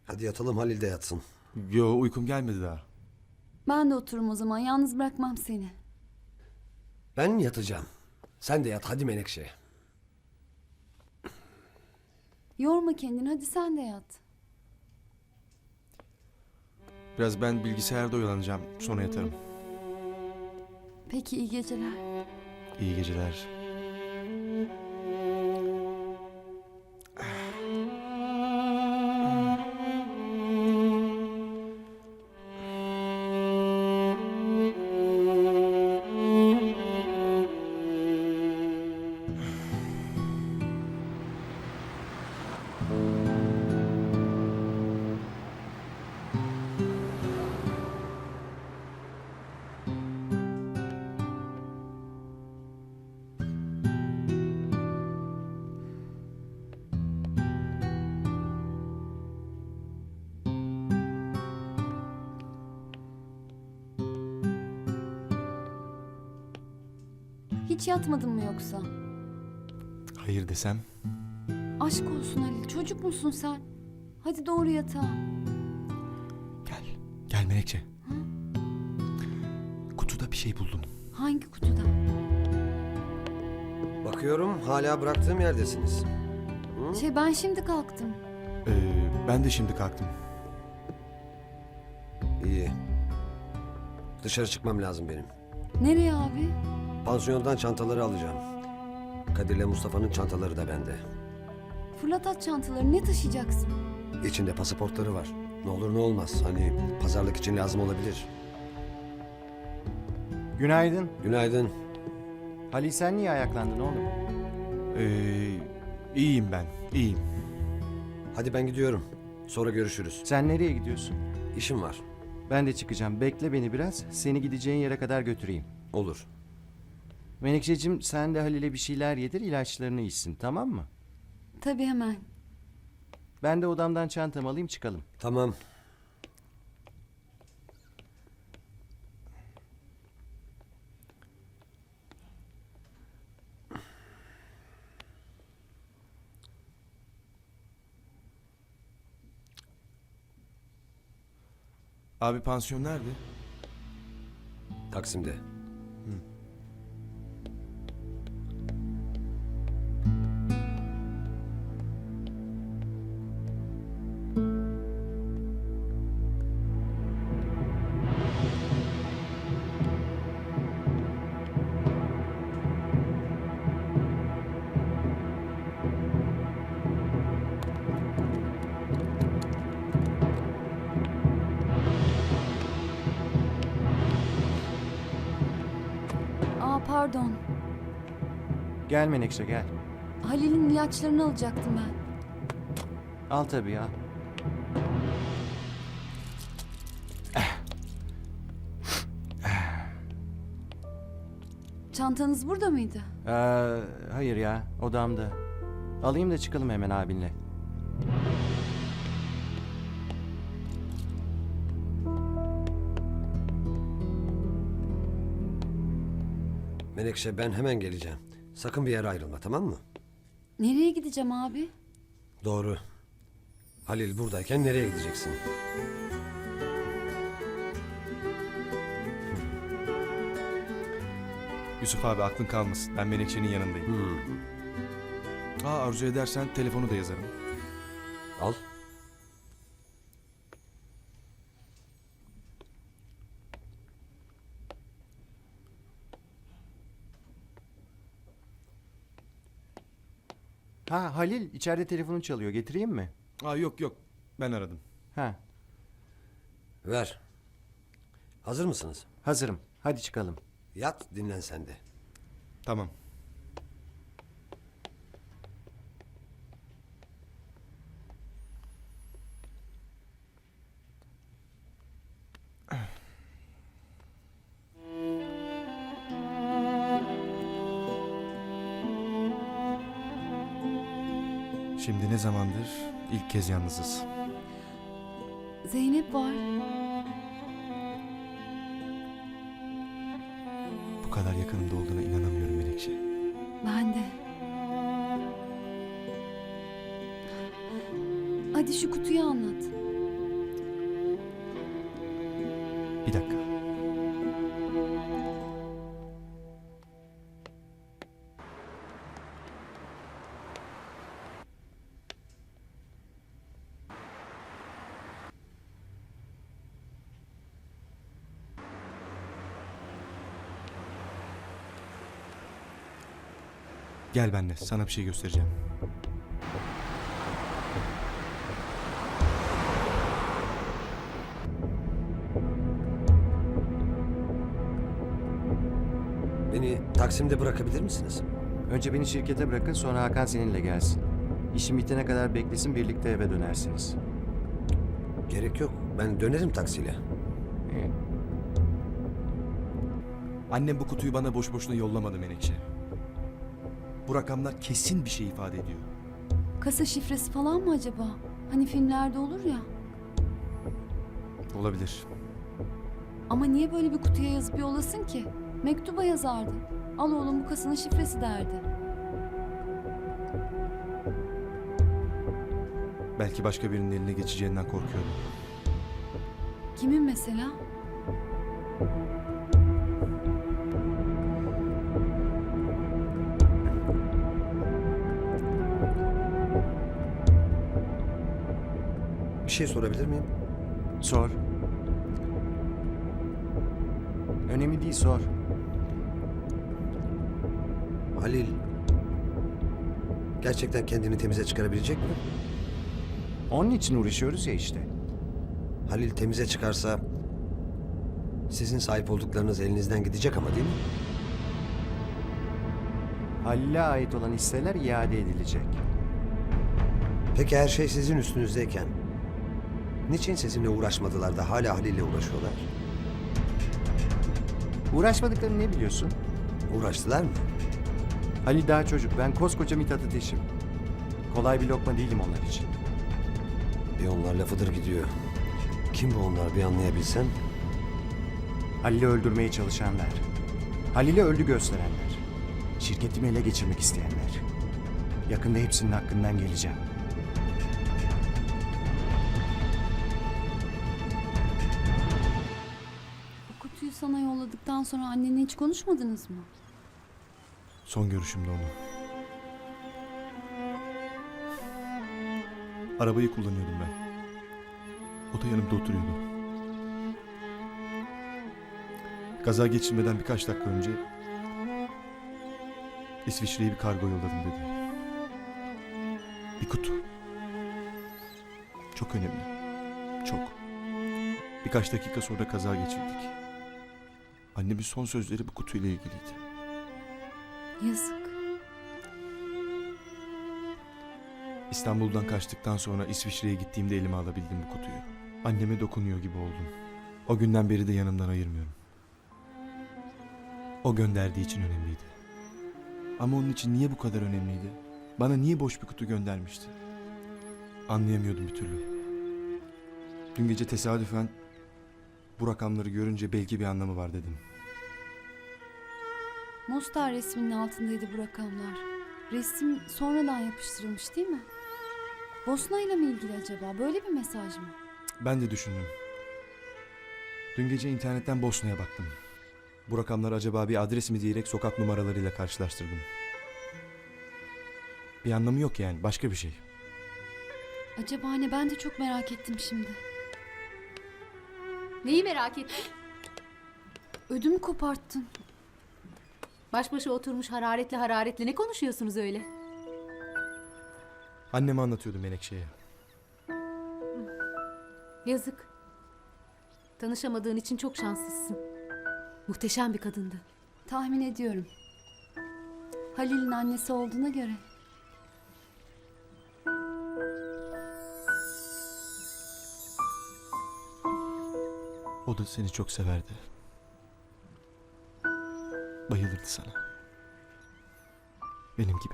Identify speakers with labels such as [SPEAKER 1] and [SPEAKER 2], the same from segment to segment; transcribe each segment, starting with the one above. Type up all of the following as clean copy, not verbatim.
[SPEAKER 1] Hadi yatalım, Halil de yatsın.
[SPEAKER 2] Yo, uykum gelmedi daha.
[SPEAKER 3] Ben de otururum o zaman. Yalnız bırakmam seni.
[SPEAKER 1] Ben yatacağım. Sen de yat hadi Menekşe.
[SPEAKER 3] Yorma kendini. Hadi sen de yat.
[SPEAKER 2] Biraz ben bilgisayarda oyalanacağım. Sonra yatarım.
[SPEAKER 3] Peki iyi geceler.
[SPEAKER 2] İyi geceler.
[SPEAKER 3] Hiç yatmadın mı yoksa?
[SPEAKER 2] Hayır desem?
[SPEAKER 3] Aşk olsun Halil. Çocuk musun sen? Hadi doğru yatağa.
[SPEAKER 2] Gel. Gel Menekşe. Kutuda bir şey buldum.
[SPEAKER 3] Hangi kutuda?
[SPEAKER 1] Bakıyorum hala bıraktığım yerdesiniz.
[SPEAKER 3] Ben şimdi kalktım.
[SPEAKER 2] Ben de şimdi kalktım.
[SPEAKER 1] İyi. Dışarı çıkmam lazım benim.
[SPEAKER 3] Nereye abi?
[SPEAKER 1] Pansiyondan çantaları alacağım. Kadir'le Mustafa'nın çantaları da bende.
[SPEAKER 3] Fırlat at çantaları. Ne taşıyacaksın?
[SPEAKER 1] İçinde pasaportları var. Ne olur ne olmaz. Hani pazarlık için lazım olabilir.
[SPEAKER 4] Günaydın.
[SPEAKER 1] Günaydın.
[SPEAKER 4] Halil sen niye ayaklandın oğlum?
[SPEAKER 2] İyiyim ben. İyiyim.
[SPEAKER 1] Hadi ben gidiyorum. Sonra görüşürüz.
[SPEAKER 4] Sen nereye gidiyorsun?
[SPEAKER 1] İşim var.
[SPEAKER 4] Ben de çıkacağım. Bekle beni biraz. Seni gideceğin yere kadar götüreyim.
[SPEAKER 1] Olur.
[SPEAKER 4] Menekşeciğim sen de Halil'e bir şeyler yedir, ilaçlarını içsin, tamam mı?
[SPEAKER 3] Tabii hemen.
[SPEAKER 4] Ben de odamdan çantamı alayım çıkalım.
[SPEAKER 1] Tamam.
[SPEAKER 2] Abi pansiyon nerede?
[SPEAKER 1] Taksim'de.
[SPEAKER 3] Pardon.
[SPEAKER 4] Gel Menekşe gel.
[SPEAKER 3] Halil'in ilaçlarını alacaktım ben.
[SPEAKER 4] Al tabii ya.
[SPEAKER 3] Çantanız burada mıydı?
[SPEAKER 4] Hayır ya, odamda. Alayım da çıkalım hemen abinle.
[SPEAKER 1] Menekşe ben hemen geleceğim. Sakın bir yere ayrılma, tamam mı?
[SPEAKER 3] Nereye gideceğim abi?
[SPEAKER 1] Doğru. Halil buradayken nereye gideceksin?
[SPEAKER 2] Yusuf abi aklın kalmasın. Ben Menekşe'nin yanındayım. Arzu edersen telefonu da yazarım.
[SPEAKER 1] Al.
[SPEAKER 4] Ha Halil içeride telefonun çalıyor, getireyim mi?
[SPEAKER 2] Yok yok. Ben aradım.
[SPEAKER 4] Ha,
[SPEAKER 1] Ver. Hazır mısınız?
[SPEAKER 4] hazırım. Hadi çıkalım.
[SPEAKER 1] Yat, dinlen sen de.
[SPEAKER 2] Tamam. Şimdi ne zamandır ilk kez yalnızız.
[SPEAKER 3] Zeynep var.
[SPEAKER 2] Bu kadar yakınımda olduğuna inanamıyorum Menekşe.
[SPEAKER 3] Ben de. Hadi şu kutuyu anlat.
[SPEAKER 2] Gel benimle, sana bir şey göstereceğim.
[SPEAKER 1] Beni Taksim'de bırakabilir misiniz?
[SPEAKER 4] Önce beni şirkete bırakın, sonra Hakan seninle gelsin. İşim bitene kadar beklesin, birlikte eve dönersiniz.
[SPEAKER 1] Gerek yok. Ben dönerim taksiyle.
[SPEAKER 4] İyi.
[SPEAKER 2] Annem bu kutuyu bana boş boşuna yollamadı Menekşe. Bu rakamlar kesin bir şey ifade ediyor.
[SPEAKER 3] Kasa şifresi falan mı acaba? Hani filmlerde olur ya.
[SPEAKER 2] Olabilir.
[SPEAKER 3] Ama niye böyle bir kutuya yazıp yollasın ki? Mektuba yazardı. Al oğlum, bu kasanın şifresi derdi.
[SPEAKER 2] Belki başka birinin eline geçeceğinden korkuyordu.
[SPEAKER 3] Kimin mesela?
[SPEAKER 1] Bir şey sorabilir miyim?
[SPEAKER 4] Sor. Önemli değil, sor.
[SPEAKER 1] Halil gerçekten kendini temize çıkarabilecek mi?
[SPEAKER 4] Onun için uğraşıyoruz ya işte.
[SPEAKER 1] Halil temize çıkarsa sizin sahip olduklarınız elinizden gidecek ama değil mi?
[SPEAKER 4] Halil'e ait olan hisseler iade edilecek.
[SPEAKER 1] Peki her şey sizin üstünüzdeyken niçin sizinle uğraşmadılar da hala Halil'le uğraşıyorlar?
[SPEAKER 4] Uğraşmadıklarını ne biliyorsun?
[SPEAKER 1] Uğraştılar mı?
[SPEAKER 4] Halil daha çocuk, ben koskoca Mithat Ateş'im. Kolay bir lokma değilim onlar için.
[SPEAKER 1] Bir onlar lafıdır gidiyor. Kim bu onlar bir anlayabilsen?
[SPEAKER 4] Halil'i öldürmeye çalışanlar. Halil'i öldü gösterenler. Şirketimi ele geçirmek isteyenler. Yakında hepsinin hakkından geleceğim.
[SPEAKER 3] Bu kutuyu sana yolladıktan sonra annenle hiç konuşmadınız mı?
[SPEAKER 2] Son görüşümde onu. Arabayı kullanıyordum ben. O da yanımda oturuyordu. Kaza geçirmeden birkaç dakika önce İsviçre'ye bir kargo yolladım dedi. Bir kutu. Çok önemli. Çok. Birkaç dakika sonra kaza geçirdik. Annemin son sözleri bu kutuyla ilgiliydi.
[SPEAKER 3] Yazık.
[SPEAKER 2] İstanbul'dan kaçtıktan sonra İsviçre'ye gittiğimde elime alabildim bu kutuyu. Anneme dokunuyor gibi oldum. O günden beri de yanımdan ayırmıyorum. O gönderdiği için önemliydi. Ama onun için niye bu kadar önemliydi? Bana niye boş bir kutu göndermişti? Anlayamıyordum bir türlü. Dün gece tesadüfen bu rakamları görünce belki bir anlamı var dedim.
[SPEAKER 3] Mostar resminin altındaydı bu rakamlar. Resim sonradan yapıştırılmış değil mi? Bosna ile mi ilgili acaba? Böyle bir mesaj mı?
[SPEAKER 2] Ben de düşündüm. Dün gece internetten Bosna'ya baktım. Bu rakamlar acaba bir adres mi diyerek sokak numaralarıyla karşılaştırdım. Bir anlamı yok yani, başka bir şey.
[SPEAKER 3] Acaba ne? Ben de çok merak ettim şimdi.
[SPEAKER 5] Neyi merak ettin?
[SPEAKER 3] Ödümü koparttın.
[SPEAKER 5] Baş başa oturmuş hararetli hararetli ne konuşuyorsunuz öyle?
[SPEAKER 2] Anneme anlatıyordum Menekşe'ye.
[SPEAKER 5] Yazık. Tanışamadığın için çok şanslısın. Muhteşem bir kadındı.
[SPEAKER 3] Tahmin ediyorum. Halil'in annesi olduğuna göre.
[SPEAKER 2] O da seni çok severdi. Bayılırdı sana. Benim gibi.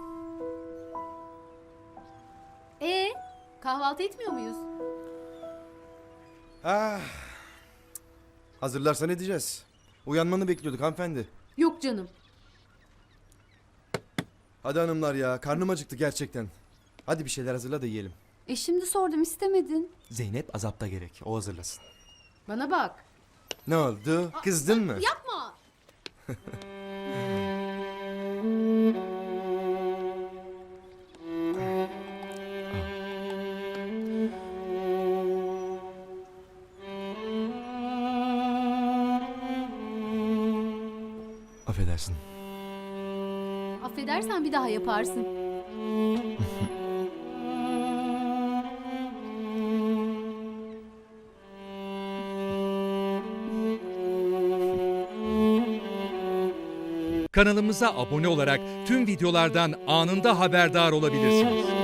[SPEAKER 5] Kahvaltı etmiyor muyuz?
[SPEAKER 2] Hazırlarsan edeceğiz. Uyanmanı bekliyorduk hanımefendi.
[SPEAKER 5] Yok canım.
[SPEAKER 2] Hadi hanımlar ya, karnım acıktı gerçekten. Hadi bir şeyler hazırla da yiyelim.
[SPEAKER 3] Şimdi sordum, istemedin.
[SPEAKER 2] Zeynep azapta gerek, o hazırlasın.
[SPEAKER 5] Bana bak.
[SPEAKER 2] Ne oldu? Kızdın mı?
[SPEAKER 5] Yapma.
[SPEAKER 2] Affedersin.
[SPEAKER 5] edersen bir daha yaparsın.
[SPEAKER 6] Kanalımıza abone olarak tüm videolardan anında haberdar olabilirsiniz.